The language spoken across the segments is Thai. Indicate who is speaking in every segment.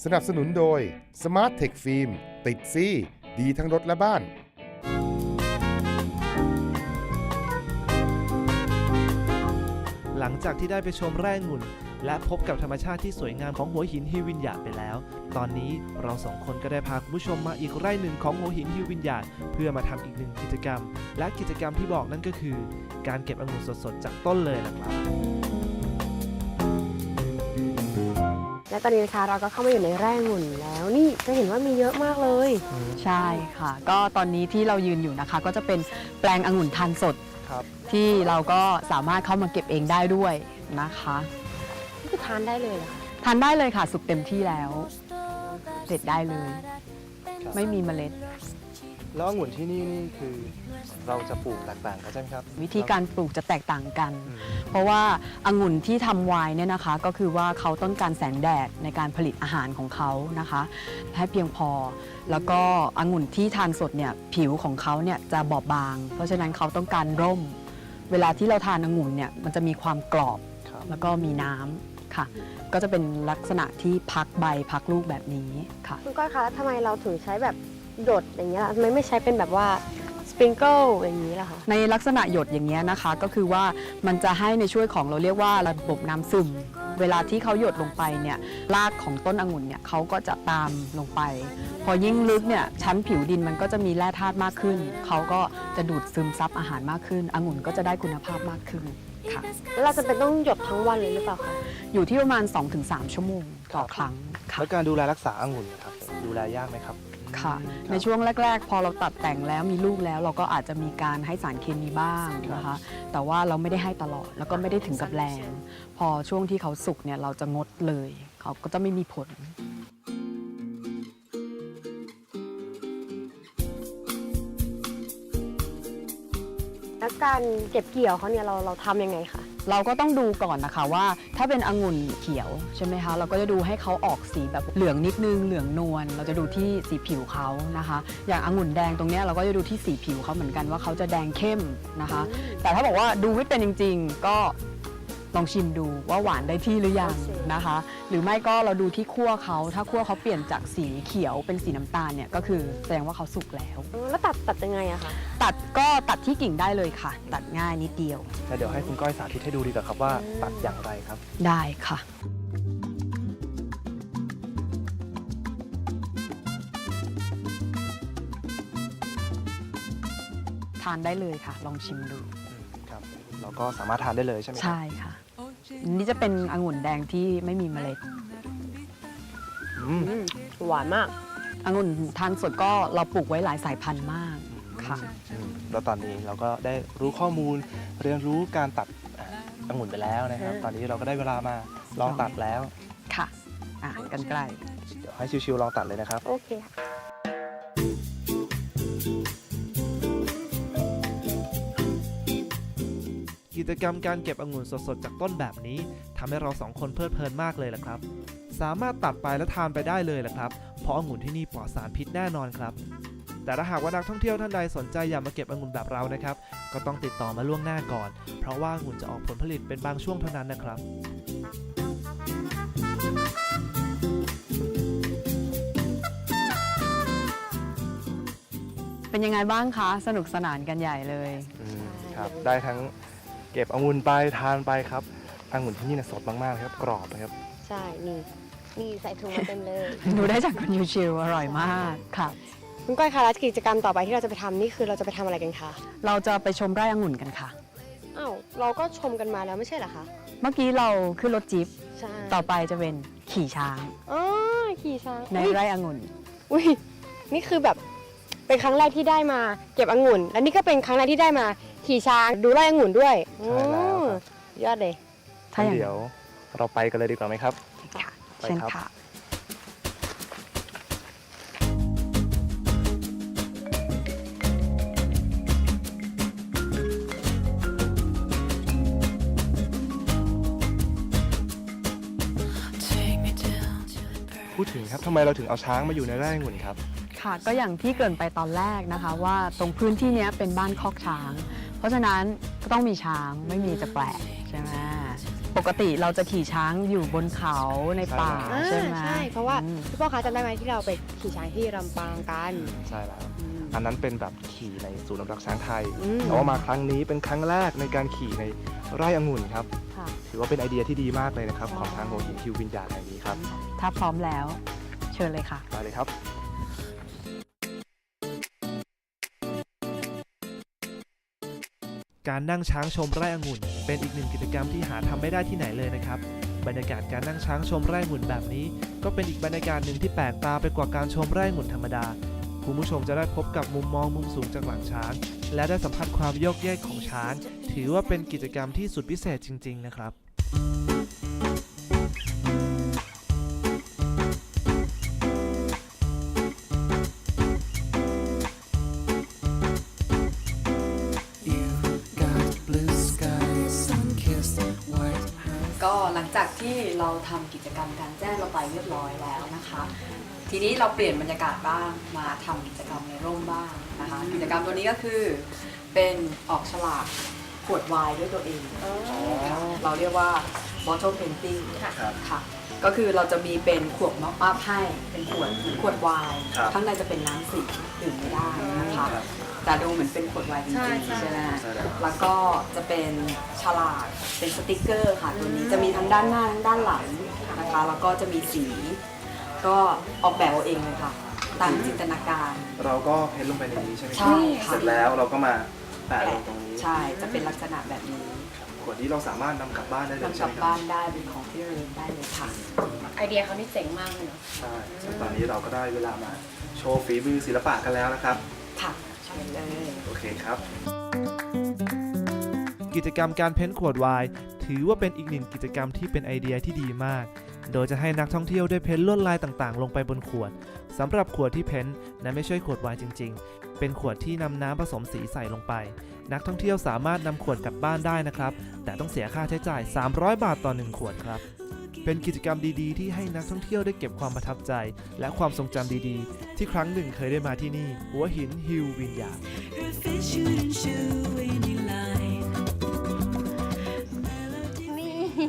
Speaker 1: สนับสนุนโดย Smart Tech Film ติดซี่ดีทั้งรถและบ้าน
Speaker 2: หลังจากที่ได้ไปชมไร่องุ่นและพบกับธรรมชาติที่สวยงามของหัวหินฮิววินญาไปแล้วตอนนี้เราสองคนก็ได้พาคุณผู้ชมมาอีกไร่หนึ่งของหัวหินฮิววินญาเพื่อมาทำอีกหนึ่งกิจกรรมและกิจกรรมที่บอกนั่นก็คือการเก็บองุ่นสดๆจากต้นเลยนะครับ
Speaker 3: และตอนนี้นะคะเราก็เข้ามาอยู่ในไร่องุ่นแล้วนี่จะเห็นว่ามีเยอะมากเลย
Speaker 4: ใช่ค่ะก็ตอนนี้ที่เรายืนอยู่นะคะก็จะเป็นแปลงองุ่นทานสด
Speaker 2: ครับ
Speaker 4: ที่เราก็สามารถเข้ามาเก็บเองได้ด้วยนะคะ
Speaker 3: นี่คือทานได้เลยเหรอคะ
Speaker 4: ทานได้เลยค่ะสุกเต็มที่แล้วเด็ดได้เลย ไม่มีเมล็ด
Speaker 2: แล้วองุ่นที่นี่คือเราจะปลูกแตกต่างกันใช่ไหมครับ
Speaker 4: วิธีการปลูกจะแตกต่างกัน เพราะว่าองุ่นที่ทำไวน์เนี่ยนะคะก็คือว่าเขาต้องการแสงแดดในการผลิตอาหารของเขานะคะให้เพียงพอ แล้วก็องุ่นที่ทานสดเนี่ยผิวของเขาเนี่ยจะบอบบาง เพราะฉะนั้นเขาต้องการร่ม เวลาที่เราทานองุ่นเนี่ยมันจะมีความกรอบ
Speaker 2: ครับ
Speaker 4: แล้วก็มีน้ำค่ะ ก็จะเป็นลักษณะที่พักใบพักลูกแบบนี้ค่ะ
Speaker 3: คุณก้อยคะแล้วทำไมเราถึงใช้แบบหยดอย่างเงี้ยล่ะทำไมไม่ใช้เป็นแบบว่าสปริงเกิลอย่างนี้ล่ะคะ
Speaker 4: ในลักษณะหยดอย่างเงี้ยนะคะก็คือว่ามันจะให้ในช่วยของเราเรียกว่าระบบน้ำซึม เวลาที่เขาหยดลงไปเนี่ยรากของต้นองุ่นเนี่ยเขาก็จะตามลงไป พอยิ่งลึกเนี่ยชั้นผิวดินมันก็จะมีแร่ธาตุมากขึ้นเขาก็จะดูดซึมซับอาหารมากขึ้นองุ่นก็จะได้คุณภาพมากขึ้นค่ะ
Speaker 3: แล้วเราจะเป็นต้องหยดทั้งวันเลยหรือเปล่าคะ
Speaker 4: อยู่ที่ประมาณ 2-3 ชั่วโมงต่อครั้งค่ะ
Speaker 2: แล้วการดูแลรักษาองุ่นนะครับดูแลยากไหมครับ
Speaker 4: ค่ะ ในช่วงแรก ๆ พอเราตัดแต่งแล้วมีลูกแล้วเราก็อาจจะมีการให้สารเคมีบ้างนะคะ แต่ว่าเราไม่ได้ให้ตลอดแล้วก็ไม่ได้ถึงกับแรง พอช่วงที่เขาสุกเนี่ยเราจะงดเลย เขาก็จะไม่มีผล
Speaker 3: แล้วการเก็บเกี่ยวเขาเนี่ยเราทำยังไงคะ
Speaker 4: เราก็ต้องดูก่อนนะคะว่าถ้าเป็นองุ่นเขียวใช่ไหมคะเราก็จะดูให้เขาออกสีแบบเหลืองนิดนึงเหลืองนวลเราจะดูที่สีผิวเขานะคะ อย่างองุ่นแดงตรงเนี้ยเราก็จะดูที่สีผิวเขาเหมือนกันว่าเขาจะแดงเข้มนะคะ แต่ถ้าบอกว่าดูไม่เป็นจริงๆ ก็ลองชิมดูว่าหวานได้ที่หรือยังนะคะ หรือไม่ก็เราดูที่คั่วเขาถ้าคั่วเขาเปลี่ยนจากสีเขียวเป็นสีน้ำตาลเนี่ยก็คือแสดงว่าเขาสุกแล้ว
Speaker 3: แล้วตัดยังไงอะคะ
Speaker 4: ตัดก็ตัดที่กิ่งได้เลยค่ะ ตัดง่ายนิดเดียว
Speaker 2: เดี๋ยวให้คุณก้อยสาธิตให้ดูดีกว่าครับว่าตัดอย่างไรครับ
Speaker 4: ได้ค่ะ ทานได้เลยค่ะ ลองชิมดู
Speaker 2: ครับ เราก็สามารถทานได้เลยใช่ไหมครับ
Speaker 4: ใช่ค่ะอันนี้จะเป็นองุ่นแดงที่ไม่มีเมล็ด
Speaker 2: อืม
Speaker 3: หวานมาก
Speaker 4: องุ่นทานสดก็เราปลูกไว้หลายสายพันธุ์มากค่ะ
Speaker 2: แล้วตอนนี้เราก็ได้รู้ข้อมูลเรียนรู้การตัดองุ่นไปแล้วนะครับ ตอนนี้เราก็ได้เวลามาลองตัดแล้ว
Speaker 4: ค่ะกันไกล
Speaker 2: เดี๋ยวให้ชิวๆลองตัดเลยนะครับ
Speaker 3: โอเคค่ะ
Speaker 2: กิจกรรมการเก็บองุ่นสดๆจากต้นแบบนี้ทำให้เราสองคนเพลิดเพลินมากเลยล่ะครับ สามารถตัดไปและทานไปได้เลยล่ะครับเพราะองุ่นที่นี่ปลอดสารพิษแน่นอนครับ แต่ถ้าหากว่านักท่องเที่ยวท่านใดสนใจอยากมาเก็บองุ่นแบบเรานะครับก็ต้องติดต่อมาล่วงหน้าก่อน เพราะว่าองุ่นจะออกผลผลิตเป็นบางช่วงเท่านั้นนะครับ
Speaker 4: เป็นยังไงบ้างคะ สนุกสนานกันใหญ่เลย
Speaker 2: ครับ ได้ทั้งเก็บองุ่นไปทานไปครับองุ่นที่นี่นะสดมากๆครับกรอบนะครับ
Speaker 3: ใช่นี่ใส่ถุงมาเต็มเลย
Speaker 4: ดูได้จากคุณยูชิวอร่อยมากค่ะ
Speaker 3: คุณก้อยคะแล้วกิจกรรมต่อไปที่เราจะไปทำนี่คือเราจะไปทำอะไรกันคะ
Speaker 4: เราจะไปชมไร่องุ่นกันค่ะ
Speaker 3: อ้าวเราก็ชมกันมาแล้วไม่ใช่เหรอคะ
Speaker 4: เมื่อกี้เราขึ้นรถจี๊ป
Speaker 3: ใช่
Speaker 4: ต่อไปจะเป็นขี่ช้าง
Speaker 3: อ๋อขี่ช้าง
Speaker 4: ในไร่องุ่น
Speaker 3: อุ้ยนี่คือแบบเป็นครั้งแรกที่ได้มาเก็บองุ่น และนี่ก็เป็นครั้งแรกที่ได้มาขี่ช้างดูไร่องุ่นด้วย
Speaker 2: ใช่แล้วครับ
Speaker 3: ยอดเลย
Speaker 4: ถ้าอย่างนั้น
Speaker 2: เดี๋ยวเราไปกันเลยดีกว่าไหมครับ
Speaker 4: ค่ะ
Speaker 2: ไป
Speaker 4: เช่น
Speaker 2: ครับ
Speaker 4: ค่ะ
Speaker 2: พูดถึงครับทำไมเราถึงเอาช้างมาอยู่ในไร่องุ่นครับ
Speaker 4: ค่ะก็อย่างที่เกริ่นไปตอนแรกนะคะ ว่าตรงพื้นที่เนี้ยเป็นบ้านคอกช้าง เพราะฉะนั้นก็ต้องมีช้างไม่มีจะแปลกใช่ไหมปกติเราจะขี่ช้างอยู่บนเขาในป่า
Speaker 3: อ่า
Speaker 4: ใช่ไหม
Speaker 3: ใช่เพราะว่า
Speaker 4: อืม
Speaker 3: พี่โป้คะจำได้ไหมที่เราไปขี่ช้างที่ลำปางกัน
Speaker 2: ใช่แล้ว
Speaker 3: อืม
Speaker 2: อันนั้นเป็นแบบขี่ในศูนย์อนุรักษ์ช้างไทย
Speaker 3: อืม
Speaker 2: แต่ว่ามาครั้งนี้เป็นครั้งแรกในการขี่ในไร่องุ่นครับ
Speaker 3: ค่ะ
Speaker 2: ถือว่าเป็นไอเดียที่ดีมากเลยนะครับ
Speaker 3: ใช่
Speaker 2: ของทางหัวหินฮิววินยาแห่งนี้ครับ
Speaker 4: ถ้าพร้อมแล้ว เชิญเลยค่ะ
Speaker 2: ไปเลยครับ การนั่งช้างชมไร่องุ่นเป็นอีกหนึ่งกิจกรรมที่หาทำไม่ได้ที่ไหนเลยนะครับ บรรยากาศการนั่งช้างชมไร่องุ่นแบบนี้ ก็เป็นอีกบรรยากาศหนึ่งที่แปลกตาไปกว่าการชมไร่องุ่นธรรมดา คุณผู้ชมจะได้พบกับมุมมองมุมสูงจากหลังช้าง และได้สัมผัสความโยกเยกของช้าง ถือว่าเป็นกิจกรรมที่สุดพิเศษจริงๆนะครับ
Speaker 4: ก็หลังจากที่เราทำกิจกรรมกลางแจ้งเราไปเรียบร้อยแล้วนะคะ ทีนี้เราเปลี่ยนบรรยากาศบ้างมาทำกิจกรรมในร่มบ้างนะคะ กิจกรรมตัวนี้ก็คือเป็นออกฉลากขวดไวน์ด้วยตัวเองค่ะเราเรียกว่า bottle painting ค่ะ ก็คือเราจะมีเป็นขวดม็อกอัพให้เป็นขวดไวน์
Speaker 2: ครับ
Speaker 4: ข้างในจะเป็นน้ำสีดื่มไม่ได้นะคะ แต่ดูเหมือนเป็นขวดไวน์จริงๆใช่ไหม
Speaker 2: ใช่แล้ว
Speaker 4: แล้วก็จะเป็นฉลากเป็นสติกเกอร์ค่ะตัวนี้จะมีทั้งด้านหน้าทั้งด้านหลังนะคะแล้วก็จะมีสี ก็ออกแบบเอาเองเลยค่ะตามจินตนาการ
Speaker 2: เราก็เพ้นลงไปในนี้ใช่ไหม
Speaker 4: ใช่ค่ะ
Speaker 2: เสร็จแล้วเราก็มาแปะลงตรงนี้
Speaker 4: ใช่จะเป็นลักษณะแบบนี้
Speaker 2: ขวดนี้เราสามารถนำกลับบ้านได้เลย
Speaker 4: นำก
Speaker 2: ใช่
Speaker 4: ลั
Speaker 2: ไห
Speaker 4: บ
Speaker 2: มครับ
Speaker 4: บ้านได้เป็นของที่ระลึกได้เลยค่ะ
Speaker 3: ไอเดียเขานี่เจ๋งมากเลยเนาะ
Speaker 2: ใช่ซึ่งตอนนี้เราก็ได้เวลามาโชว์ฝีมือศิลปะกันแล้วนะครับ
Speaker 4: ค่ะเชิญเลย
Speaker 2: โอเคครับ
Speaker 5: กิจกรรมการเพ้นท์ขวดไวน์ถือว่าเป็นอีกหนึ่งกิจกรรมที่เป็นไอเดียที่ดีมาก โดยจะให้นักท่องเที่ยวได้เพ้นท์ลวดลายต่างๆ ลงไปบนขวดสำหรับขวดที่เพ้นท์นั้นไม่ใช่ขวดไวน์จริงๆ เป็นขวดที่นำน้ำผสมสีใส่ลงไป นักท่องเที่ยวสามารถนำขวดกลับบ้านได้นะครับ แต่ต้องเสียค่าใช้จ่าย 300 บาทต่อ 1 ขวดครับ เป็นกิจกรรมดีๆ ที่ให้นักท่องเที่ยวได้เก็บความประทับใจ และความทรงจำดีๆ ที่ครั้งหนึ่งเคยได้มาที่นี่ หัวหินฮิลวินยา
Speaker 3: นี่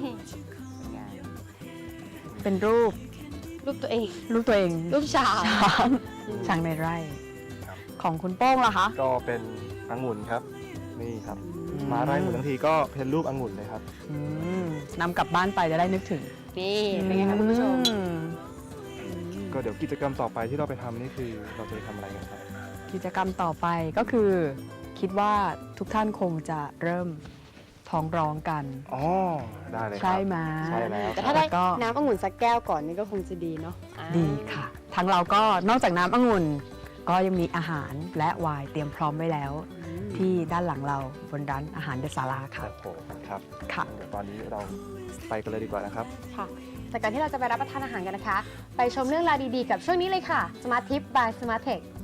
Speaker 4: เป็นรูป
Speaker 3: รูปตัวเอง
Speaker 4: ตัวเอง
Speaker 3: รูปช้าง
Speaker 4: ช้างในไร่
Speaker 2: ครับ
Speaker 4: ของคุณโป้งล่ะคะ
Speaker 2: ก็เป็นองุ่นครับ นี่ครับ มาไร่องุ่นทั้งทีก็เพ้นรูปองุ่นเลยครับ
Speaker 4: อืมนำกลับบ้านไปจะได้นึกถึง
Speaker 3: นี่เป็นไงคะคุณผู้ชม
Speaker 4: อืม
Speaker 2: ก็เดี๋ยวกิจกรรมต่อไปที่เราไปทำนี่คือเราจะไปทำอะไรกันครับ
Speaker 4: กิจกรรมต่อไปก็คือคิดว่าทุกท่านคงจะเริ่มท้องร้องกัน
Speaker 2: อ๋อ ได้เลยครับ
Speaker 4: ใช่ไหม
Speaker 2: ใช่แล้ว
Speaker 3: แต่
Speaker 2: ครั
Speaker 3: ถ้า
Speaker 2: บ
Speaker 3: ได้
Speaker 4: ก็
Speaker 3: น้ำองุ่นสักแก้วก่อนนี่ก็คงจะดีเนาะอ่า
Speaker 4: ดีค่ะ ทางเราก็นอกจากน้ำองุ่น ก็ยังมีอาหารและไวน์เตรียมพร้อมไว้แล้ว ที่ด้านหลังเราบนร้านอาหารเดอะศาลาค่ะ
Speaker 2: โอ้โหครับ
Speaker 4: ค่ะ
Speaker 2: เดี๋ยวตอนนี้เราไปกันเลยดีกว่านะครับ
Speaker 3: ค่ะ แต่ก่อนที่เราจะไปรับประทานอาหารกันนะคะ ไปชมเรื่องราวดีๆกับช่วงนี้เลยค่ะ Smart Tip by Smart Tech